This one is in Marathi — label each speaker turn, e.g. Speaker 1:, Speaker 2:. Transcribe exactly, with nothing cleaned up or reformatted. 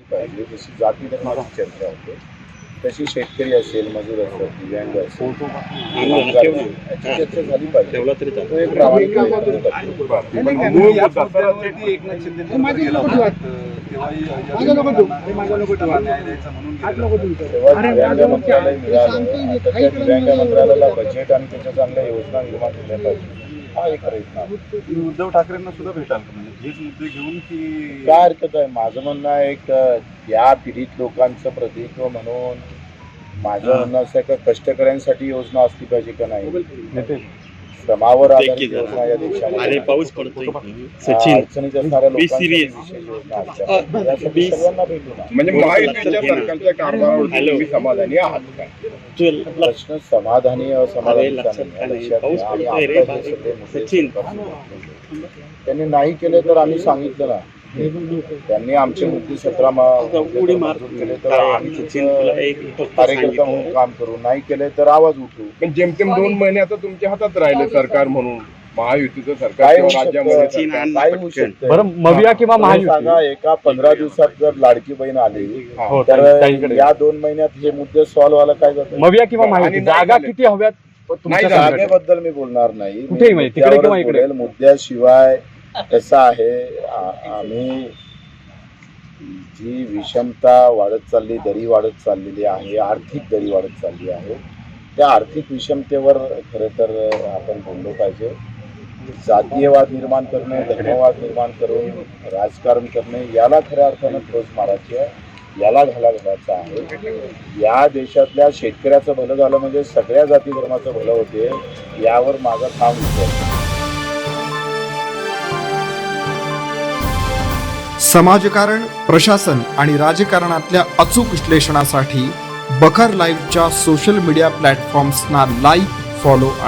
Speaker 1: पाहिजे. जशी जाती धर्माची चर्चा होते तशी शेतकरी असेल, मजूर असेल, दिव्यांग असेल, याची चर्चा झाली पाहिजे. तो एक प्रामाणिक प्रयत्न करतो. तेव्हा दिव्यांग मंत्रालय मिळालं, आता त्या दिव्यांग मंत्रालयाला बजेट आणि त्याच्या चांगल्या योजना निर्माण केल्या पाहिजे. हा एक प्रयत्न आहे.
Speaker 2: उद्धव ठाकरेंना सुद्धा भेटाल का? म्हणजे हेच मुद्दे घेऊन की
Speaker 1: काय हरकत आहे? माझं म्हणणं आहे एक या पीडित लोकांचं प्रतिनिधित्व म्हणून माझं म्हणणं असं आहे का कष्टकऱ्यांसाठी योजना असली पाहिजे का नाही, श्रमावर आधारित योजना या देशामध्ये
Speaker 3: पाऊस पडतोय
Speaker 1: अडचणीत असणाऱ्या लोकांसाठी विशेष योजना असल्या पाहिजे. यासाठी सर्वांना भेटू ना.
Speaker 2: म्हणजे महायुतीच्या सरकारच्या कारभारावर तुम्ही समाधानी आहात का?
Speaker 1: प्रश्न समाधानी असमाधानीचा नाही. लक्षात घ्या, आम्ही आता हे सगळे मुद्दे सरकारसमोर त्यांनी नाही केले तर आम्ही सांगितलं ना, त्यांनी आमचे मुद्दे सतरा मंजूर केले तर आम्ही कार्यकर्ता म्हणून काम करू, नाही केले तर आवाज उठू.
Speaker 2: पण जेमतेम दोन महिने आता तुमच्या हातात राहिले सरकार म्हणून, महायुतीचं सरकार
Speaker 1: काय होऊ
Speaker 2: राज्यामध्ये
Speaker 1: शकतं? काय होऊ शकतं?
Speaker 4: बरं, मविया किंवा
Speaker 1: तुम्ही
Speaker 4: महायुती
Speaker 1: सांगा, एका पंधरा दिवसात जर लाडकी बहीण आली
Speaker 4: हो,
Speaker 1: तर
Speaker 4: ताईंकडे.
Speaker 1: या दोन महिन्यात हे मुद्दे सॉल्व्ह व्हायला काय जातं?
Speaker 4: मविया किंवा महायुती
Speaker 2: आणि नाही
Speaker 4: जागा
Speaker 2: झाले.
Speaker 4: किती हव्यात तुमच्या
Speaker 2: नाही झाले.
Speaker 4: संघटनेत?
Speaker 1: जागेबद्दल मी बोलणार नाही.
Speaker 4: कुठेही म्हणजे, तिकडे किंवा
Speaker 1: मुद्द्यावरच
Speaker 4: इकडे?
Speaker 1: बोलेल. मुद्द्याशिवाय कसं आहे, आ- आम्ही जी विषमता वाढत चालली, दरी वाढत चाललेली आहे, आर्थिक दरी वाढत चालली आहे, त्या आर्थिक विषमतेवर खरं तर आपण बोललो पाहिजे. जातीयवाद निर्माण करणे, धर्मवाद निर्माण करून राजकारण करणे, याला खऱ्या अर्थानं ठोस मारायची आहे, याला घाला घालायचा आहे. या देशातल्या शेतकऱ्याचं भलं झालं म्हणजे सगळ्या जाती धर्माचं भलं होते, यावर माझा ठाम विश्वास आहे.
Speaker 5: समाजकारण, प्रशासन आणि राजकारणातल्या अचूक विश्लेषणासाठी बखर लाईव्हच्या सोशल मीडिया प्लॅटफॉर्म्सना लाईक, फॉलो